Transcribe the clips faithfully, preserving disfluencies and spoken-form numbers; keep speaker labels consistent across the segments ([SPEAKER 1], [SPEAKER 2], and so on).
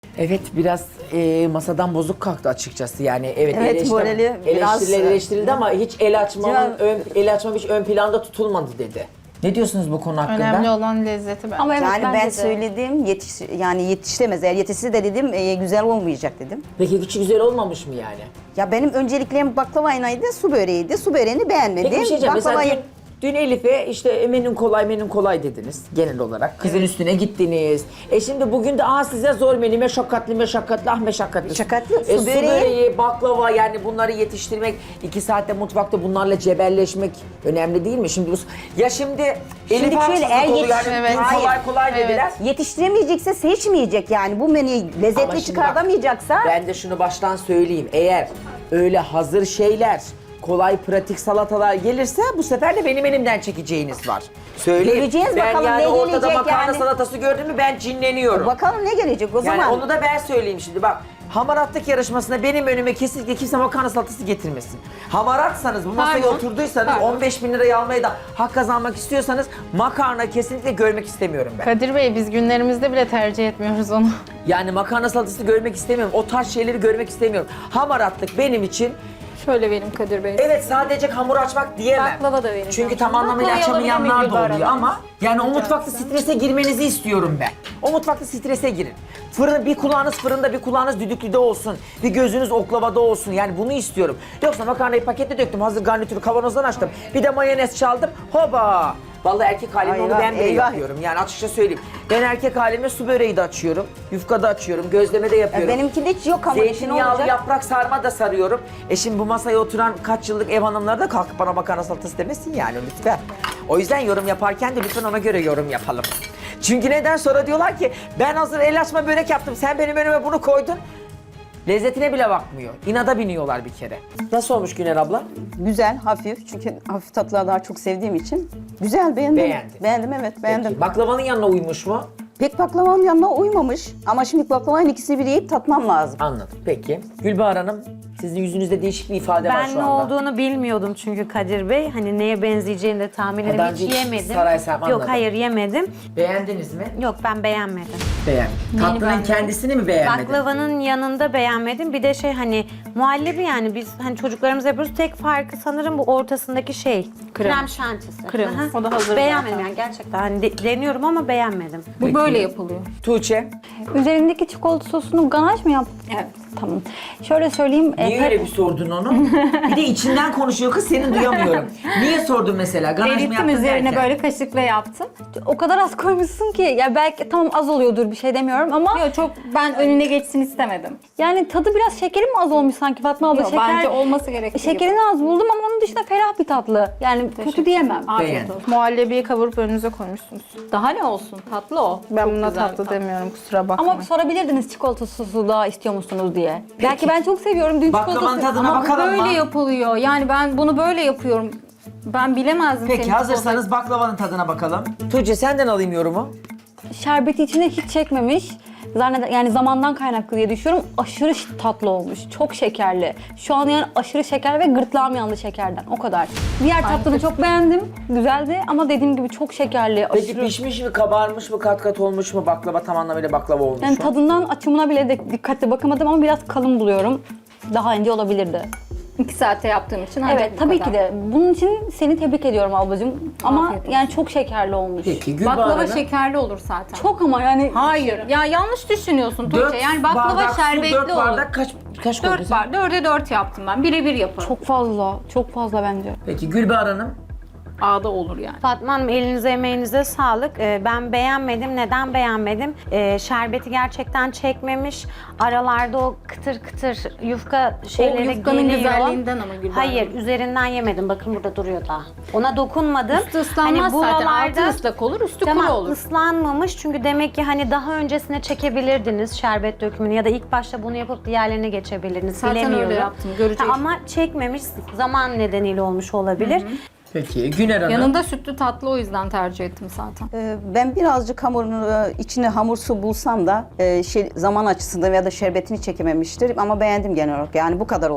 [SPEAKER 1] Evet biraz e, masadan bozuk kalktı açıkçası yani evet,
[SPEAKER 2] Evet,
[SPEAKER 1] eleştir-
[SPEAKER 2] morali biraz-
[SPEAKER 1] eleştiriler eleştirildi ama hiç el açmanın
[SPEAKER 2] Civan-
[SPEAKER 1] ön, el açma hiç ön planda tutulmadı dedi. Ne diyorsunuz bu konu hakkında?
[SPEAKER 3] Önemli olan lezzeti bence.
[SPEAKER 4] Ama evet
[SPEAKER 2] Yani
[SPEAKER 4] bence
[SPEAKER 2] ben
[SPEAKER 4] de.
[SPEAKER 2] söyledim yetiş yani yetiştiremez. Eğer yetişse de dedim e, güzel olmayacak dedim.
[SPEAKER 1] Peki hiç güzel olmamış mı yani?
[SPEAKER 2] Ya benim önceliklerim baklavaydı, su böreğiydi. Su böreğini beğenmedim.
[SPEAKER 1] Peki bir şey diyeceğim. Mesela
[SPEAKER 2] Baklavayı-
[SPEAKER 1] dün, dün Elif'e işte menün kolay menün kolay dediniz genel olarak. Kızın üstüne gittiniz. E şimdi bugün de aa size zor menü meşakkatli meşakkatli ah meşakkatli.
[SPEAKER 2] Meşakkatli,
[SPEAKER 1] E,
[SPEAKER 2] su
[SPEAKER 1] su
[SPEAKER 2] böreği.
[SPEAKER 1] böreği, baklava yani bunları yetiştirmek, iki saatte mutfakta bunlarla cebelleşmek önemli değil mi? Şimdi bu, ya şimdi Elif
[SPEAKER 2] şöyle,
[SPEAKER 1] haksızlık
[SPEAKER 2] eğer
[SPEAKER 1] oluyor.
[SPEAKER 2] yetiş-
[SPEAKER 1] Yani
[SPEAKER 3] Evet.
[SPEAKER 1] dün kolay
[SPEAKER 2] Hayır.
[SPEAKER 1] kolay
[SPEAKER 3] Evet.
[SPEAKER 1] dediler.
[SPEAKER 2] Yetiştiremeyecekse seçmeyecek yani. Bu menüyü
[SPEAKER 1] Ama
[SPEAKER 2] lezzetli
[SPEAKER 1] şimdi bak,
[SPEAKER 2] çıkartamayacaksa
[SPEAKER 1] Ben de şunu baştan söyleyeyim. Eğer öyle hazır şeyler, kolay pratik salatalar gelirse bu sefer de benim elimden çekeceğiniz var. Söyleyeyim.
[SPEAKER 2] Göreceğiz
[SPEAKER 1] ben
[SPEAKER 2] bakalım
[SPEAKER 1] yani
[SPEAKER 2] ne
[SPEAKER 1] ortada
[SPEAKER 2] gelecek
[SPEAKER 1] makarna
[SPEAKER 2] yani.
[SPEAKER 1] salatası gördüm mü ben cinleniyorum.
[SPEAKER 2] bakalım ne gelecek o
[SPEAKER 1] yani
[SPEAKER 2] zaman.
[SPEAKER 1] onu da ben söyleyeyim şimdi bak. Hamaratlık yarışmasında benim önüme kesinlikle kimse makarna salatası getirmesin. Hamaratsanız, bu masaya
[SPEAKER 3] Pardon.
[SPEAKER 1] oturduysanız,
[SPEAKER 3] Pardon.
[SPEAKER 1] on beş bin lirayı almayı da hak kazanmak istiyorsanız makarna kesinlikle görmek istemiyorum ben.
[SPEAKER 3] Kadir Bey biz günlerimizde bile tercih etmiyoruz onu.
[SPEAKER 1] Yani makarna salatası görmek istemiyorum. O tarz şeyleri görmek istemiyorum. Hamaratlık benim için
[SPEAKER 5] Şöyle vereyim Kadir Bey.
[SPEAKER 1] evet sadece hamur açmak diyemem.
[SPEAKER 5] Baklava da vereceğim.
[SPEAKER 1] Çünkü tam anlamıyla
[SPEAKER 5] Baklavayı
[SPEAKER 1] açamayanlar
[SPEAKER 5] alabilir
[SPEAKER 1] da
[SPEAKER 5] miyim
[SPEAKER 1] oluyor
[SPEAKER 5] Gülbahar
[SPEAKER 1] ama yani o mutfakta strese girmenizi istiyorum ben. O mutfakta strese girin. Fırın, bir kulağınız fırında bir kulağınız düdüklüde olsun. Bir gözünüz oklavada olsun. Yani bunu istiyorum. Yoksa makarnayı pakette döktüm. Hazır garnitürü kavanozdan açtım. Bir de mayonez çaldım. Hoba! Vallahi erkek halimle onu
[SPEAKER 2] Eyvah,
[SPEAKER 1] ben bile
[SPEAKER 2] eyvah.
[SPEAKER 1] yapıyorum. Yani açıkça söyleyeyim. Ben erkek halimle su böreği de açıyorum. Yufka da açıyorum. Gözleme de yapıyorum.
[SPEAKER 2] Ya benimki de hiç yok ama işin
[SPEAKER 1] Zeytinyağlı
[SPEAKER 2] olacak.
[SPEAKER 1] yaprak sarma da sarıyorum. E şimdi bu masaya oturan kaç yıllık ev hanımları da kalkıp bana makarna salatası demesin yani lütfen. O yüzden yorum yaparken de lütfen ona göre yorum yapalım. Çünkü neden sonra diyorlar ki ben hazır el açma börek yaptım sen benim önüme bunu koydun. Lezzetine bile bakmıyor. İnada biniyorlar bir kere. Nasıl olmuş Güner abla?
[SPEAKER 2] Güzel, hafif. Çünkü hafif tatlıları daha çok sevdiğim için. Güzel, beğendim.
[SPEAKER 1] Beğendin.
[SPEAKER 2] Beğendim, evet, beğendim.
[SPEAKER 1] Peki, baklavanın yanına uymuş mu?
[SPEAKER 2] Pek baklavanın yanına uymamış. Ama şimdi baklavanın ikisini bir yiyip tatmam lazım.
[SPEAKER 1] Anladım. Peki. Gülbahar Hanım, sizin yüzünüzde değişik bir ifade var
[SPEAKER 6] Ben
[SPEAKER 1] şu
[SPEAKER 6] ne
[SPEAKER 1] anda.
[SPEAKER 6] olduğunu bilmiyordum çünkü Kadir Bey. Hani neye benzeyeceğini de tahmin
[SPEAKER 1] Ha,
[SPEAKER 6] edemem.
[SPEAKER 1] daha
[SPEAKER 6] Hiç
[SPEAKER 1] önce
[SPEAKER 6] yemedim.
[SPEAKER 1] Saraysam, anladım.
[SPEAKER 6] Yok hayır yemedim.
[SPEAKER 1] Beğendiniz mi?
[SPEAKER 6] Yok ben beğenmedim.
[SPEAKER 1] Beğendim. Tatlının
[SPEAKER 5] beğendin?
[SPEAKER 1] kendisini mi beğenmedin?
[SPEAKER 6] Baklavanın yanında beğenmedim. Bir de şey hani muhallebi yani biz hani çocuklarımız yapıyoruz. Tek farkı sanırım bu ortasındaki şey.
[SPEAKER 5] Krem.
[SPEAKER 6] Krem şantisi.
[SPEAKER 5] Krem.
[SPEAKER 6] Aha.
[SPEAKER 5] O da hazır
[SPEAKER 6] Beğenmedim
[SPEAKER 5] zaten.
[SPEAKER 6] yani gerçekten. Hani de- deniyorum ama beğenmedim.
[SPEAKER 5] Bu
[SPEAKER 1] Peki.
[SPEAKER 5] böyle yapılıyor.
[SPEAKER 1] Tuğçe,
[SPEAKER 4] Üzerindeki çikolata sosunu ganaj mı yaptın?
[SPEAKER 5] Evet.
[SPEAKER 4] Tamam. Şöyle söyleyeyim. e,
[SPEAKER 1] niye öyle bir sordun onu? Bir de içinden konuşuyor kız, seni duyamıyorum. Niye sordun mesela? Ganaj mı
[SPEAKER 4] Erittim
[SPEAKER 1] yaptın
[SPEAKER 4] üzerine
[SPEAKER 1] derken?
[SPEAKER 4] böyle kaşıkla yaptım. O kadar az koymuşsun ki ya belki tamam az oluyordur bir şey demiyorum ama
[SPEAKER 5] Yok çok ben önüne geçsin istemedim.
[SPEAKER 4] yani tadı biraz şekeri mi az olmuş sanki Fatma abla?
[SPEAKER 5] Yok,
[SPEAKER 4] Şeker,
[SPEAKER 5] bence olması gerektiği gibi.
[SPEAKER 4] şekerini az buldum ama onun dışında ferah bir tatlı. Yani kötü diyemem.
[SPEAKER 5] Afiyet
[SPEAKER 1] Beğendim.
[SPEAKER 5] olsun.
[SPEAKER 3] Muhallebiyi kavurup önünüze koymuşsunuz.
[SPEAKER 5] Daha ne olsun? Tatlı o.
[SPEAKER 3] Ben
[SPEAKER 5] Çok
[SPEAKER 3] buna
[SPEAKER 5] güzel
[SPEAKER 3] tatlı demiyorum kusura bakmayın.
[SPEAKER 4] Ama sorabilirdiniz çikolata sosu da istiyor musunuz diye. Belki ben çok seviyorum dün
[SPEAKER 1] Baklavanın
[SPEAKER 4] çikolatası.
[SPEAKER 1] tadına
[SPEAKER 5] Ama
[SPEAKER 1] bakalım
[SPEAKER 5] böyle
[SPEAKER 1] mı?
[SPEAKER 5] yapılıyor. Yani ben bunu böyle yapıyorum. Ben bilemezdim
[SPEAKER 1] Peki
[SPEAKER 5] senin
[SPEAKER 1] hazırsanız baklavanın tadına bakalım. Tuğçe senden alayım yorumu.
[SPEAKER 4] Şerbeti içine hiç çekmemiş. Zanneder, yani zamandan kaynaklı diye düşünüyorum. Aşırı ş- tatlı olmuş. Çok şekerli. Şu an yani aşırı şeker ve gırtlağım yandı şekerden. O kadar. Diğer tatlını çok beğendim. Güzeldi ama dediğim gibi çok şekerli.
[SPEAKER 1] Peki
[SPEAKER 4] Aşırı.
[SPEAKER 1] pişmiş mi, kabarmış mı, kat kat olmuş mu, baklava tam anlamıyla baklava olmuş
[SPEAKER 4] Yani
[SPEAKER 1] mu?
[SPEAKER 4] tadından açımına bile de dikkatli bakamadım ama biraz kalın buluyorum. Daha ince olabilirdi.
[SPEAKER 5] İki saatte yaptığım için ancak
[SPEAKER 4] Evet
[SPEAKER 5] bu
[SPEAKER 4] tabii
[SPEAKER 5] kadar.
[SPEAKER 4] ki de. Bunun için seni tebrik ediyorum ablacığım. Ama
[SPEAKER 5] Afiyet olsun.
[SPEAKER 4] yani çok şekerli olmuş.
[SPEAKER 1] Peki Gülbahar
[SPEAKER 5] Baklava
[SPEAKER 1] Hanım.
[SPEAKER 5] şekerli olur zaten.
[SPEAKER 4] Çok ama yani
[SPEAKER 5] Hayır. Ya yanlış düşünüyorsun
[SPEAKER 1] Dört
[SPEAKER 5] Tuğçe. Yani baklava
[SPEAKER 1] bardak su,
[SPEAKER 5] şerbetli
[SPEAKER 1] dört
[SPEAKER 5] olur.
[SPEAKER 1] bardak kaç, kaç koydun
[SPEAKER 5] Dört
[SPEAKER 1] sen?
[SPEAKER 5] bar, dörde dört yaptım ben. Birebir yaparım.
[SPEAKER 4] çok fazla. Çok fazla bence.
[SPEAKER 1] Peki Gülbahar Hanım.
[SPEAKER 5] Ağda olur yani.
[SPEAKER 6] Fatma Hanım elinize emeğinize sağlık. Ee, ben beğenmedim. Neden beğenmedim? Ee, şerbeti gerçekten çekmemiş. Aralarda o kıtır kıtır yufka şeyleri
[SPEAKER 5] yufkanın
[SPEAKER 6] geliyor.
[SPEAKER 5] güzelliğinden ama Gülbahar
[SPEAKER 6] Hayır
[SPEAKER 5] Hanım.
[SPEAKER 6] üzerinden yemedim. Bakın burada duruyor daha. Ona dokunmadım.
[SPEAKER 5] Üstü ıslanmaz zaten. Altı ıslak olur, üstü
[SPEAKER 6] Tamam,
[SPEAKER 5] kuru olur.
[SPEAKER 6] ıslanmamış çünkü demek ki hani daha öncesine çekebilirdiniz şerbet dökümünü ya da ilk başta bunu yapıp diğerlerine geçebilirdiniz.
[SPEAKER 5] Zaten öyle
[SPEAKER 6] Bilemiyorum.
[SPEAKER 5] yaptım, göreceğiz.
[SPEAKER 6] Ha, ama çekmemiş zaman nedeniyle olmuş olabilir.
[SPEAKER 1] Peki Güner Hanım.
[SPEAKER 5] Yanında sütlü tatlı o yüzden tercih ettim zaten.
[SPEAKER 2] Ee, Ben birazcık hamurunu, e, içine hamur su bulsam da e, şey, zaman açısından veya da şerbetini çekememiştir ama beğendim genel olarak. Yani bu kadar olur.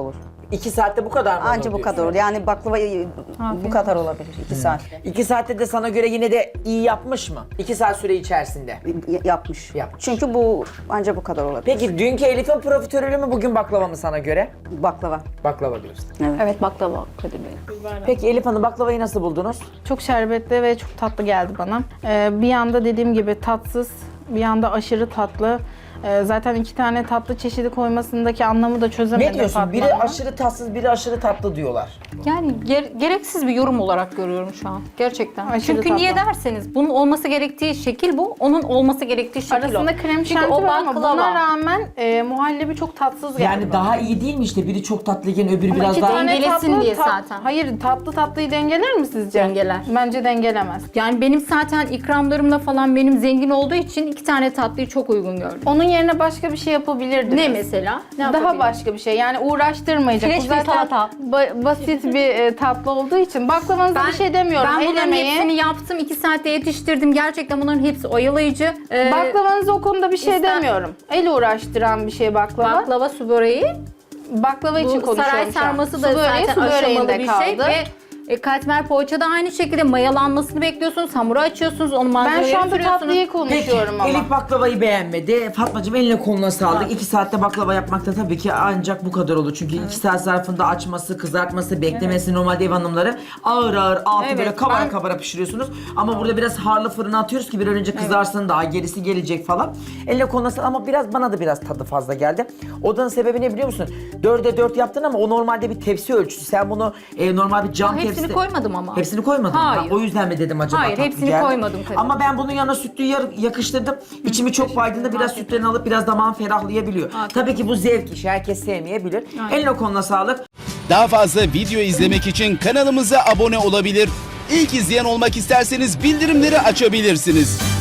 [SPEAKER 1] İki saatte bu kadar mı?
[SPEAKER 2] Anca bu kadar olur. Yani baklava e, bu kadar olabilir iki saatte.
[SPEAKER 1] İki saatte de sana göre yine de iyi yapmış mı? İki saat süre içerisinde.
[SPEAKER 2] Y- Yapmış.
[SPEAKER 1] Yapmış.
[SPEAKER 2] Çünkü bu anca bu kadar olabilir.
[SPEAKER 1] Peki dünkü Elif'in profiterolü mü bugün baklava mı sana göre?
[SPEAKER 2] Baklava.
[SPEAKER 1] Baklava diyorsun.
[SPEAKER 4] Evet baklava Kadir Bey.
[SPEAKER 1] Peki Elif Hanım baklavayı nasıl buldunuz?
[SPEAKER 3] Çok şerbetli ve çok tatlı geldi bana. Ee, bir yanda dediğim gibi tatsız, bir yanda aşırı tatlı. Ee, zaten iki tane tatlı çeşidi koymasındaki anlamı da çözemedim.
[SPEAKER 1] Ne diyorsun?
[SPEAKER 3] Fatma
[SPEAKER 1] Biri
[SPEAKER 3] Hanım.
[SPEAKER 1] aşırı tatsız, biri aşırı tatlı diyorlar.
[SPEAKER 5] Yani ger- gereksiz bir yorum olarak görüyorum şu an. Gerçekten.
[SPEAKER 3] Aşırı
[SPEAKER 5] Çünkü
[SPEAKER 3] tatlı.
[SPEAKER 5] niye derseniz bunun olması gerektiği şekil bu, onun olması gerektiği şekil o.
[SPEAKER 3] Arasında krem
[SPEAKER 5] Çünkü
[SPEAKER 3] şanti
[SPEAKER 5] o
[SPEAKER 3] var ama
[SPEAKER 5] baklava.
[SPEAKER 3] buna rağmen e, muhallebi çok tatsız geldi
[SPEAKER 1] Yani
[SPEAKER 3] bana.
[SPEAKER 1] daha iyi değil mi işte? Biri çok tatlıyken öbürü
[SPEAKER 3] Ama
[SPEAKER 1] biraz
[SPEAKER 3] iki
[SPEAKER 1] daha...
[SPEAKER 3] tane
[SPEAKER 5] Dengelesin
[SPEAKER 3] tatlı,
[SPEAKER 5] diye
[SPEAKER 3] tat-
[SPEAKER 5] zaten.
[SPEAKER 3] Hayır, tatlı tatlıyı dengeler mi sizce?
[SPEAKER 5] Dengeler.
[SPEAKER 3] Bence dengelemez.
[SPEAKER 5] Yani benim zaten ikramlarımla falan benim zengin olduğu için iki tane tatlıyı çok uygun gördüm.
[SPEAKER 3] Onun yerine başka bir şey yapabilirdiniz.
[SPEAKER 5] Ne mesela? Ne
[SPEAKER 3] Daha
[SPEAKER 5] yapabilirim?
[SPEAKER 3] başka bir şey. Yani uğraştırmayacak.
[SPEAKER 4] Fresh
[SPEAKER 3] Bu
[SPEAKER 4] bir
[SPEAKER 3] zaten
[SPEAKER 4] salata.
[SPEAKER 3] ba- basit bir e, tatlı olduğu için. Baklavanıza bir şey demiyorum.
[SPEAKER 5] Ben
[SPEAKER 3] El
[SPEAKER 5] bunların
[SPEAKER 3] emeği.
[SPEAKER 5] hepsini yaptım. iki saatte yetiştirdim. Gerçekten bunların hepsi oyalayıcı. Ee,
[SPEAKER 3] Baklavanıza o konuda bir şey
[SPEAKER 5] İster-
[SPEAKER 3] demiyorum. El uğraştıran bir şey baklava.
[SPEAKER 5] baklava su böreği.
[SPEAKER 3] Baklava için
[SPEAKER 5] Bu
[SPEAKER 3] konuşuyorum
[SPEAKER 5] saray
[SPEAKER 3] şu an.
[SPEAKER 5] sarması
[SPEAKER 3] Su
[SPEAKER 5] da
[SPEAKER 3] böreği,
[SPEAKER 5] zaten
[SPEAKER 3] su
[SPEAKER 5] aşamalı
[SPEAKER 3] böreğinde
[SPEAKER 5] bir şey.
[SPEAKER 3] kaldı.
[SPEAKER 5] Ve e, katmer poğaça da aynı şekilde mayalanmasını bekliyorsunuz. Hamuru açıyorsunuz. Onu
[SPEAKER 3] Ben
[SPEAKER 5] malzemeleri
[SPEAKER 3] şu anda
[SPEAKER 5] sürüyorsunuz.
[SPEAKER 3] tatlıyı
[SPEAKER 1] Peki
[SPEAKER 3] konuşuyorum ama.
[SPEAKER 1] Elif baklavayı beğenmedi. Fatmacığım eline koluna sağlık. İki saatte baklava yapmak da tabii ki ancak bu kadar olur. Çünkü iki saat zarfında açması, kızartması, beklemesi normalde ev hanımları ağır ağır altı
[SPEAKER 5] Evet,
[SPEAKER 1] böyle kabara
[SPEAKER 5] ben-
[SPEAKER 1] kabara pişiriyorsunuz. Ama burada biraz harlı fırına atıyoruz ki bir an önce kızarsın daha gerisi gelecek falan. Eline koluna sağlık ama biraz bana da biraz tadı fazla geldi. Odanın sebebi ne biliyor musun? Dörde dört yaptın ama o normalde bir tepsi ölçüsü. Sen bunu e, normal bir cam
[SPEAKER 5] Ha, hepsini
[SPEAKER 1] tepsi...
[SPEAKER 5] koymadım ama.
[SPEAKER 1] Hepsini koymadın mı?
[SPEAKER 5] Hayır.
[SPEAKER 1] Ha, o yüzden mi dedim acaba
[SPEAKER 5] Hayır,
[SPEAKER 1] tatlı
[SPEAKER 5] hepsini
[SPEAKER 1] geldi?
[SPEAKER 5] koymadım tabii.
[SPEAKER 1] Ama ben bunun yanına sütlüyü yar- yakıştırdım. İçimi çok baydığında biraz sütlerini alıp biraz damağım ferahlayabiliyor. Tabii ki bu zevk işi. Herkes sevmeyebilir. Eline koluna sağlık.
[SPEAKER 7] Daha fazla video izlemek için kanalımıza abone olabilir. İlk izleyen olmak isterseniz bildirimleri açabilirsiniz.